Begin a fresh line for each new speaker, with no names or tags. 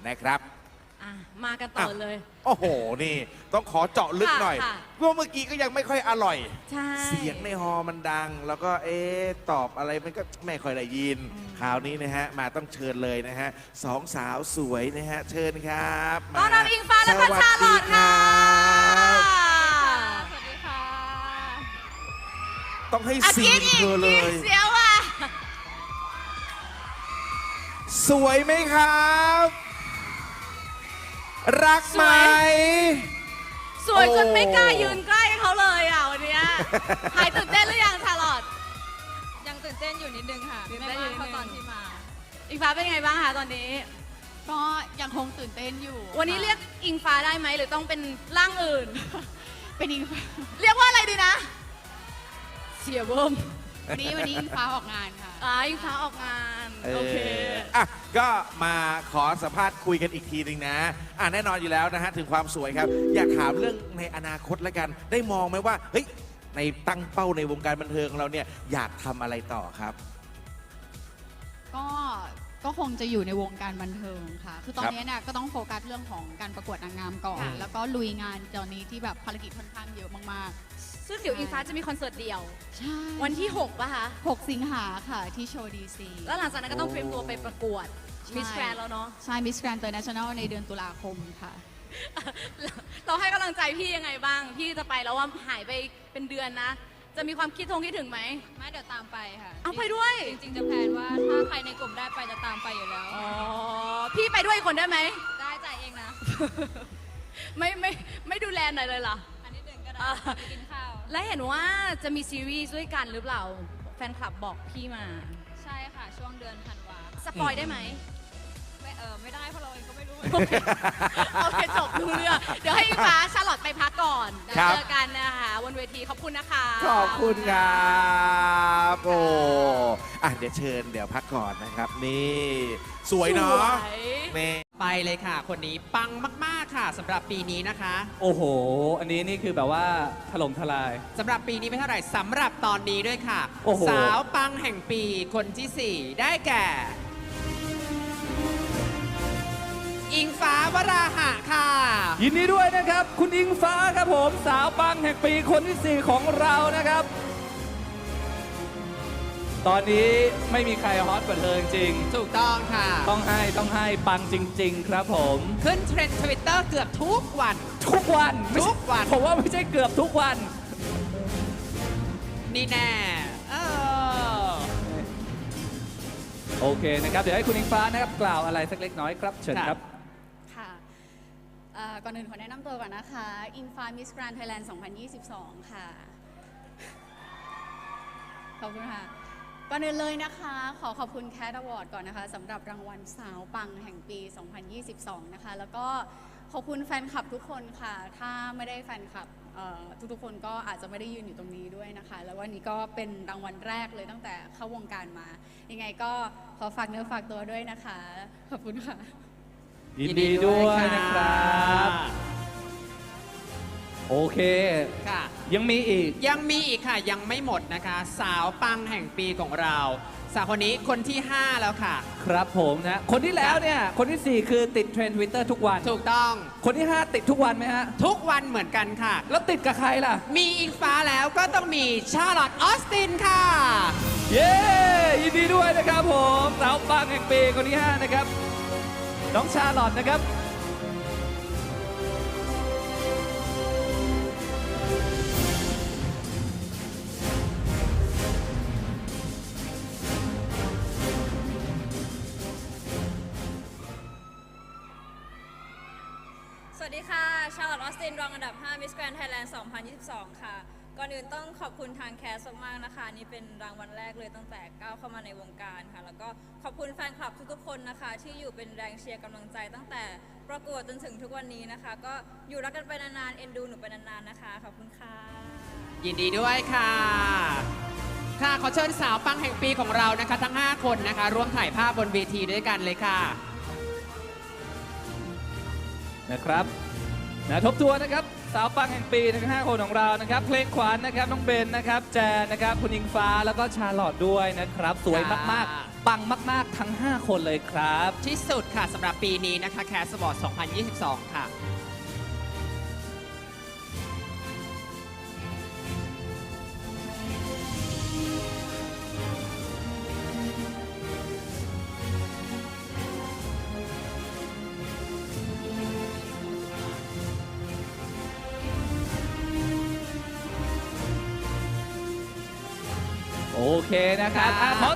นะครับ
มากันต่อเลย
โอ้โหนี่ต้องขอเจาะลึกหน่อย
ค่ะ
เพราะเมื่อกี้ก็ยังไม่ค่อยอร่อย
ใช่
เสียงในฮอมันดัง แล้วก็ตอบอะไรมันก็ไม่ค่อยได้ยินคราวนี้นะฮะมาต้องเชิญเลยนะฮะสองสาวสวยนะฮะเชิญครับ
ต้อนรับอิงฟ้าและพัชชาลอดค่ะ
สวัสดีค่ะ
ต้องให้ซีนเธอเลย
เสียวอ่ะ
สวยไหมครับ รักไหม
สวยจน
โอ้
ไม่กล้ายืนใกล้เขาเลยอ่ะวันเนี้ยหายตื่นเต้นหรือยังชาลอต
ยังตื่นเต้นอยู่นิดนึงค่ะ
ตื่น
ไม่
เต้นอยู่
มาก
นิดนึง
เท่าตอนที่มา
อิงฟ้าเป็นไงบ้างคะตอนนี้
ก็ยังคงตื่นเต้นอยู่
วันนี้
ค่ะ
เรียกอิงฟ้าได้ไหมหรือต้องเป็นร่างอื่น
เป็นอิงฟ้า
เรียกว่าอะไรดีนะ เสียเบิ่ม
วันนี้อิงฟ้าออกงานค่ะ
อิงฟ้าออกงานโอเค
อ่ะก็มาขอสัมภาษณ์คุยกันอีกทีหนึ่งนะแน่นอนอยู่แล้วนะฮะถึงความสวยครับ อยากถามเรื่องในอนาคตแล้วกัน ได้มองไหมว่าเฮ้ยในตั้งเป้าในวงการบันเทิงของเราเนี่ยอยากทำอะไรต่อครับ
ก็คงจะอยู่ในวงการบันเทิงค่ะ คือตอนนี้เนี่ยก็ต้องโฟกัสเรื่องของการประกวดนางงามก่อน
ค่ะ
แล้วก็ลุยงานตอนนี้ที่แบบภารกิจค่อนข้างเยอะมาก
ซึ่งเดี๋ยวอิงฟ้าจะมีคอนเสิร์ตเดี่ยว
ๆ ใช่
วันที่ 6 ป่ะคะ
6 สิงหาค่ะที่โชว์ดีซี
แล้วหลังจากนั้นก็ต้องเตรียมตัวไปประกวด
ใช่
มิสแกรนแล้วเนาะ
ใช่มิสแกรนด์เตอร์เนชั่นแนลในเดือนตุลาคมค่ะ
เราให้กำลังใจพี่ยังไงบ้าง พี่จะไปแล้วว่าหายไปเป็นเดือนนะ จะมีความคิดถึงไหม
ไม่เดี๋ยวตามไปค่ะ
เอาไปด้วย
จริงๆจะแพลนว่าถ้าใครในกลุ่มได้ไปจะตามไปอยู่แล้ว
อ๋อ พี่ไปด้วยอีกคนได้ไหม
ได้จ่ายเองนะ
ไม่ดูแลหน่อยเลยเหรอ
อันนี้หนึ่งก็ได้
อ่า
ไปกินข้าว
และเห็นว่าจะมีซีรีส์ด้วยกันหรือเปล่า แฟนคลับบอกพี่มา
ใช่ค่ะ ช่วงเดือนธันวา
สปอยได้ไหม
ไม่ได้เพราะเราเองก็ไม่รู้
โอเคจบรู้เรื่องเดี๋ยวให้อิงฟ้าชาลอตไปพักก่อนเดี๋ยว
ครับ
เจอกันนะคะบนเวทีขอบคุณนะคะ
ขอบคุณครับโอ้เดี๋ยวเชิญเดี๋ยวพักก่อนนะครับ นี่ สวยเนาะ
สวย
นี่
ไปเลยค่ะ คนนี้ปังมาก ๆ ค่ะสำหรับปีนี้นะคะ
โอ้โห อันนี้นี่คือแบบว่าถล่มทลาย
สำหรับปีนี้ไม่เท่าไหร่สำหรับตอนนี้ด้วยค่ะ
โอ้โห
สาวปังแห่งปีคนที่ 4 ได้แก่ อิงฟ้าวราหะค่ะ
ยินดีด้วยนะครับ คุณอิงฟ้าครับผม สาวปังแห่งปีคนที่ 4 ของเรานะครับ ตอนนี้ไม่มีใครฮอตกว่าเธอจริง
ถูกต้องค่ะ
ๆต้องให้ปังจริง ๆ ครับผม
ขึ้นเทรนด์ทวิตเตอร์เกือบทุกวัน
ทุกวันไม่ใช่
ทุกวัน
ผมว่าไม่ใช่เกือบทุกวัน
นี่แน่เออ
โอเคนะครับ เดี๋ยวให้คุณอิงฟ้านะครับกล่าวอะไรสักเล็กน้อยครับ เชิญครับ
ค่ะก่อนอื่นขอแนะนำตัวก่อนนะคะ อิงฟ้ามิสแกรนด์ไทยแลนด์ 2022 ค่ะ ขอบคุณค่ะ ก่อนอื่นเลยนะคะ ขอขอบคุณแคทอวอร์ดก่อนนะคะสำหรับรางวัลสาวปังแห่งปี 2022 นะคะ แล้วก็ขอบคุณแฟนคลับทุกคนค่ะ ถ้าไม่ได้แฟนคลับทุกๆคนก็อาจจะไม่ได้ยืนอยู่ตรงนี้ด้วยนะคะ แล้ววันนี้ก็เป็นรางวัลแรกเลยตั้งแต่เข้าวงการมา ยังไงก็ขอฝากเนื้อฝากตัวด้วยนะคะ ขอบคุณค่ะ
ยินดีด้วยนะครับ โอเค
ค่ะ
ยังมีอีก
ยังมีอีกค่ะ ยังไม่หมดนะคะ สาวปังแห่งปีของเรา สาวคนนี้คนที่ 5 แล้วค่ะ
ครับผมนะ คนที่แล้วเนี่ย คนที่ 4 คือติดเทรนด์ Twitter ทุกวัน
ถูกต้อง
คนที่ 5 ติดทุกวันไหมฮะ
ทุกวันเหมือนกันค่ะ
แล้วติดกับใครล่ะ
มีอิงฟ้าแล้วก็ต้องมีชาร์ลอตออสตินค่ะ
เย้ ยินดีด้วยนะครับผม สาวปังแห่งปีคนที่ 5 นะครับ น้องชาลอตนะครับ
สวัสดีค่ะ ชาร์ลอตออสติน รองอันดับ 5 Miss Grand Thailand 2022 ค่ะ ก่อนอื่นต้องขอบคุณทางแคสมากๆนะคะ นี่เป็นรางวัลแรกเลยตั้งแต่ก้าวเข้ามาในวงการค่ะ แล้วก็ขอบคุณแฟนคลับทุกๆคนนะคะ ที่อยู่เป็นแรงเชียร์กำลังใจตั้งแต่ประกวดจนถึงทุกวันนี้นะคะ ก็อยู่รักกันไปนานๆ เอ็นดูหนูไปนานๆนะคะ ขอบคุณค่ะ
ยินดีด้วยค่ะ ค่ะ ขอเชิญสาวปังแห่งปีของเรานะคะ ทั้ง 5 คนนะคะ ร่วมถ่ายภาพบนเวทีด้วยกันเลยค่ะ
นะครับนะทบทวนนะครับ สาวปังแห่งปีทั้ง 5 คนของเรานะครับ เพลงขวัญนะครับ น้องเบนนะครับ แจนนะครับ คุณอิงฟ้า แล้วก็ชาลอตด้วยนะครับ สวยมากๆปังมาก ๆ ทั้ง 5 คนเลยครับ
ที่สุดค่ะสำหรับปีนี้นะคะ Cast Award 2022 ค่ะ
โอเคนะครับขอ